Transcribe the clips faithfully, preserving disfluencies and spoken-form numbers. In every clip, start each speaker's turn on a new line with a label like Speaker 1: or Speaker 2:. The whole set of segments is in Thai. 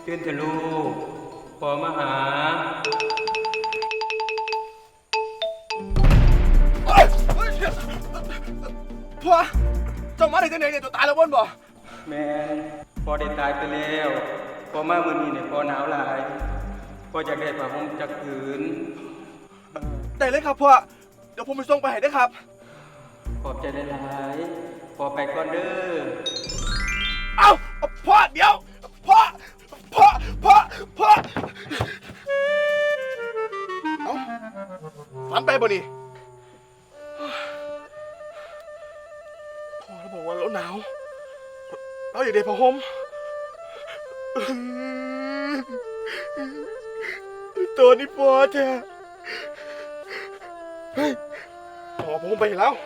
Speaker 1: ตื่นเถอะลูกพ่อมาหา
Speaker 2: พ่อเจ้ามาได้จังไหนเนี่ยตัวตายแล้วบ่นบ่
Speaker 1: แม่พ่อได้ตายไปแล้วพ่อมามื้อนี้เนี่ยพ่อหนาวหลายพ่ออยากได้ผ้าห่มจักผืน
Speaker 2: ได้เลยครับพ่อเดี๋ยวผมไปส่งไปให้ได้ครับ
Speaker 1: ขอบใจหลายๆพ่อไปก่อนเด้อ
Speaker 2: เอ้าพ่อเดี๋ยวพ่อพ่อพ่อพ่อเอ้าฝันไปบ่นี่พ่อเราบอกว่าเราหนาวเราอยากได้ผ้าห่มตัวนี้พ่อแท้เฮ้ยพ่อผมไปแล้ว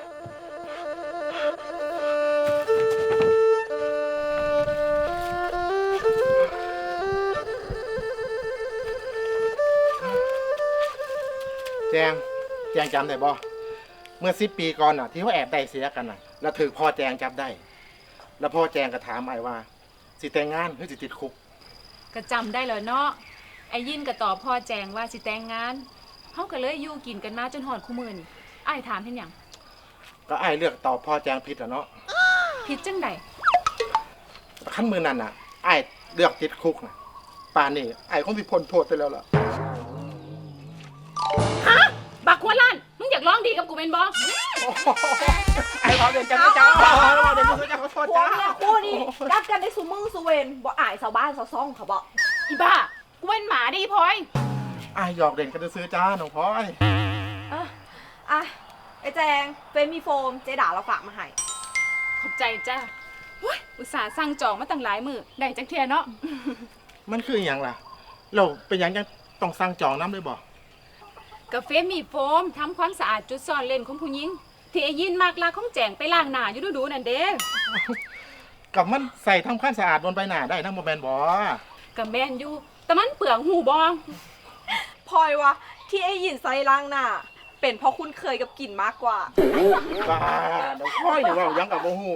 Speaker 3: แจงแจงจำได้บ่เมื่อสิบปีก่อนน่ะที่เขาแอบได้เสียกันน่ะแล้วถือพ่อแจงจับได้แล้วพ่อแจงก็ถามไอ้ว่าสิแต่งงานหรือสิติดคุก
Speaker 4: ก็จำได้แล้วเนาะไอ้ยินก็ตอบพ่อแจงว่าสิแต่งงานเฮาก็เลยอยู่กินกันมาจนหอดคู่มื้อนี่อ้ายถามเฮ็ดหยัง
Speaker 3: ก็ไอ้เลือกตอบพ่อแจงผิดอ่ะเนาะ
Speaker 4: ผิดจังได๋
Speaker 3: ขั้นมือนั้นน่ะไอ้เลือกติดคุกน่ะป่านนี้ไอ้คงสิพ้นโทษไปแล้วล่ะ
Speaker 4: ฮะบักหัวล้านมึงอยากร้องดีกับกูเป็นบ่
Speaker 3: ไอ้พอเดินกันไม่จ้าเดินกันไม่จ้าขอโทษจ้า
Speaker 5: คู่นี้รักกันได้สุมือสุเวนบ่อายชาวบ้านชาวซ่องเขาบอก
Speaker 4: อีบ้ากูเป็นหมาดิพลอย
Speaker 3: ไอ้หยอกเด่นกันจะซื้อจ้าน้องพลอย
Speaker 5: อ่ะอ่ะไอ้แจงเฟมมีโฟมเจด่าเราฝากมาให้
Speaker 4: ขอบใจจ้าอุตส่าห์สั่งจองมาตั้งหลายมื้อได้จังเที่ยเนาะ
Speaker 3: มันคืออย่างล่ะเราเป็นอย่างยังต้องสั่งจองน้ำเลยบ่
Speaker 4: กาแฟมีโฟมทำความสะอาดจุดซ่อนเล่นของผู้หญิงที่ไอ้ยินมากลาของแจงไปล้างหน้าอยู่ดูๆนั่นเด้
Speaker 3: กับมันใส่ทำความสะอาดบนใบหน้าได้นะโมแมนบ่
Speaker 4: กับแมนอยู่แต่มันเปลืองหูบอง
Speaker 5: พลอยวะที่ไอ้ยินใส่ล้างหน้าเป็นเพราะคุณเคยกับกลิ่นมากกว่า
Speaker 3: บ้าเดี๋ยวค่อยเดี๋ยวว่ายังกับโมหู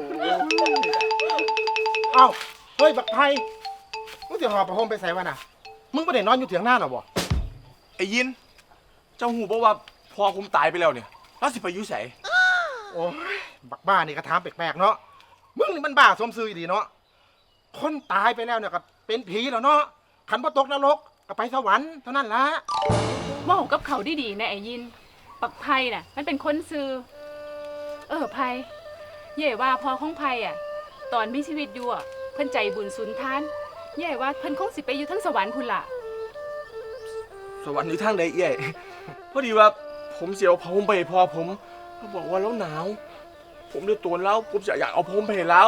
Speaker 3: เอ้าเฮ้ยบักไทยมึงจะหอบประโคมไปใส่วะน่ะมึงไม่ได้นอนอยู่เถียงหน้าหรอบ่
Speaker 2: ไอ้ยินเจ้าหูบอกว่าพอผมตายไปแล้วเนี่ยแล้วสิไปยุ่ยใส่
Speaker 3: โอ้ยบักบ้านี่กระถามแปลกๆเนาะมึงนี่มันบ้าสมซื่อดีเนาะคนตายไปแล้วเนี่ยก็เป็นผีแล้วเนาะขันบ่ตกนรกก็ไปสวรรค์เท่านั้นละ
Speaker 4: ว่ากับเขาดีๆนะไอ้ยินปักไพ่น่ะมันเป็นคนซื่อเออไพ่เย่ว่าพอของไพ่อ่ะตอนมีชีวิตอยู่อ่ะเพิ่นใจบุญสุนทานเย่ว่าเพิ่นคงสิไปอยู่ทั้งสวรรค์พุ่นล่ะ
Speaker 2: สวรรค์อยู่ทางใดเอ้ยพอดีว่าผมเสียวผมไปพอผมเขาบอกว่าแล้วหนาวผมเลยตัวเล่าผมจะอยากเอาผมไปแล้ว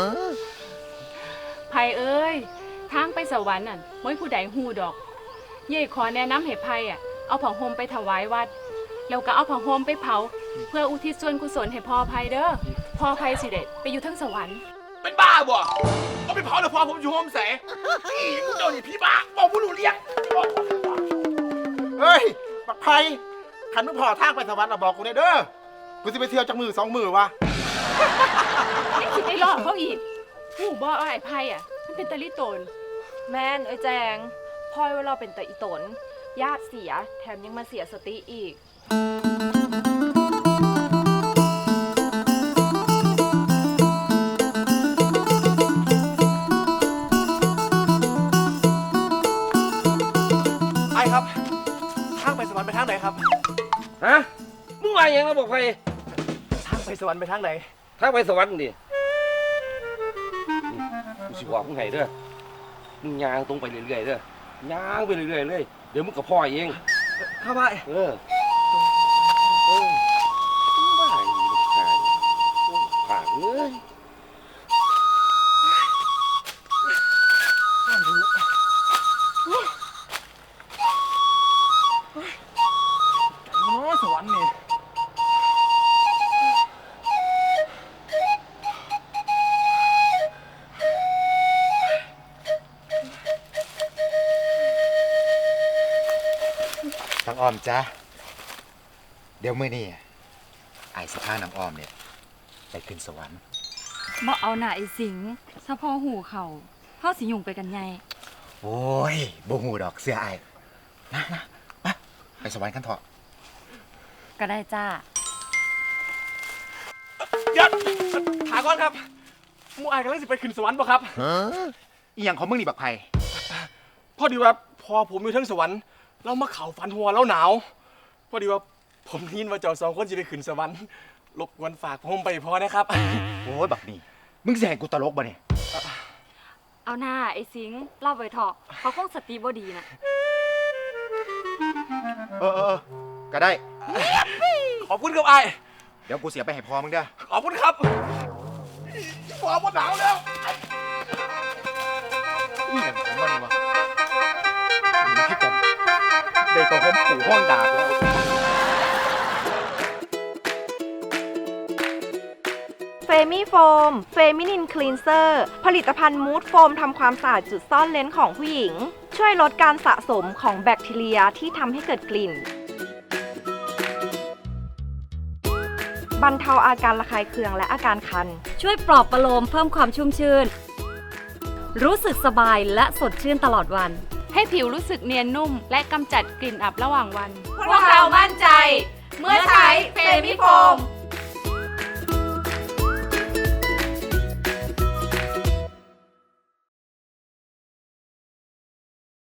Speaker 4: ไพ่เอ้ยทางไปสวรรค์น่ะไม่ผู้ใดฮู้ดอกเย่ขอแนะนำให้ไพ่อ่ะเอาผ้าห่มไปถวายวัดแล้วก็เอาผ้าห่มไปเผาเพื่ออุทิศส่วนกุศลให้พ่อไพ่เด้อพ่อไพ่สิเด็ดไปอยู่ทั้งสวรรค์
Speaker 2: เป็นบ้าบ่เอาไปเผาแล้วพอผมอยู่ห้องแสอีมึงเจ้านี่พี่บ้าบอกผู้รู้เรียก
Speaker 3: เฮ้ยบักไผ่ขันมึงพอทางไปสวรรค์เราบอกกูเนี่ยเด้อกูจะไปเที่ยวจากมือสองมือวะ
Speaker 4: นี่คิดได้รอดเขาอีกหูบ่ไอ้ไพ่อ่ะมันเป็นตะลิโตน
Speaker 5: แม่นไอ้แจงพลอยว่าเราเป็นตะอีตนญาติเสียแถมยังมาเสียสติอีก
Speaker 2: ไอ้ครับทางไปสวรรค์ไปทางไหนครับ
Speaker 1: ฮะมึงว่าอย่างเราบอกไป
Speaker 2: ทางไปสวรรค์ไปทางไหน
Speaker 1: ทางไปสวรรค์ดิกูสิบอกมึงไงเด้อมึงย่างตรงไปเรื่อยๆเด้อย่างไปเรื่อยๆเลยเดี๋ยวมึงกับพ่อเอง
Speaker 2: เข้าไป
Speaker 1: เออเออบ้าอีลูกชายผ่านเลย
Speaker 2: สวรรค์นี่
Speaker 6: น้องอ้อมจ้ะเดี๋ยวมื้อนี้ไอ้สิพาน้องอ้อมเนี่ยไปขึ้นสวรรค์
Speaker 7: บ่เอาหน่าไอ้สิงถ้าพ่อหูเขาเฮาสิยุ่งไปกันใหญ่
Speaker 6: โอ้ยบ่หูดอกเสียไอ้นะนะไปไปสวรรค์กันเถอะ
Speaker 5: ก็ได้จ้า
Speaker 2: เดี๋ยวถามก่อนครับหมูอายกำลังสิไปขึ้นสวรรค์ป่ะครับ
Speaker 6: อีหยังของมึงนี่บักไผ่
Speaker 2: พอดีว่าพอผมอยู่เทั้งสวรรค์เรามาเข่าฝันหัวแล้วหนาว พอดีว่าผมได้ยินว่าเจ้าสองคนจะไปขึ้นสวรรค์รบกวนฝากผมไปพอนะครับ
Speaker 6: โอ้ยบักนี่มึงสิให้กูตลกบ่เนี่ย
Speaker 5: เอาหน้าไอ้สิงห์เล่าไปเถอะเขาคงสติบ่ดีนะ
Speaker 6: เออเออเออก็ได้
Speaker 2: ขอบคุณครับไอ้าย
Speaker 6: เดี๋ยวกูเสียไปให้พอมึงเด้อ
Speaker 2: ขอบคุณครับหัวหนาวแล้ว
Speaker 6: อีหยังของมันวะนี่คือกันได้ก็ผมขู่ห้องดาบแล้ว
Speaker 5: เฟมิโฟมเฟมินินคลีนเซอร์ผลิตภัณฑ์มูดโฟมทำความสะอาดจุดซ่อนเลนของผู้หญิง ช่วยลดการสะสมของแบคทีเรียที่ทำให้เกิดกลิ่น บรรเทาอาการระคายเคืองและอาการคัน
Speaker 7: ช่วยปลอบประโลมเพิ่มความชุ่มชื่น รู้สึกสบายและสดชื่นตลอดวัน
Speaker 4: ให้ผิวรู้สึกเนียนนุ่ม และกำจัดกลิ่นอับระหว่างวัน
Speaker 5: พวกเรามั่นใจ เมื่อใช้เฟมิโฟม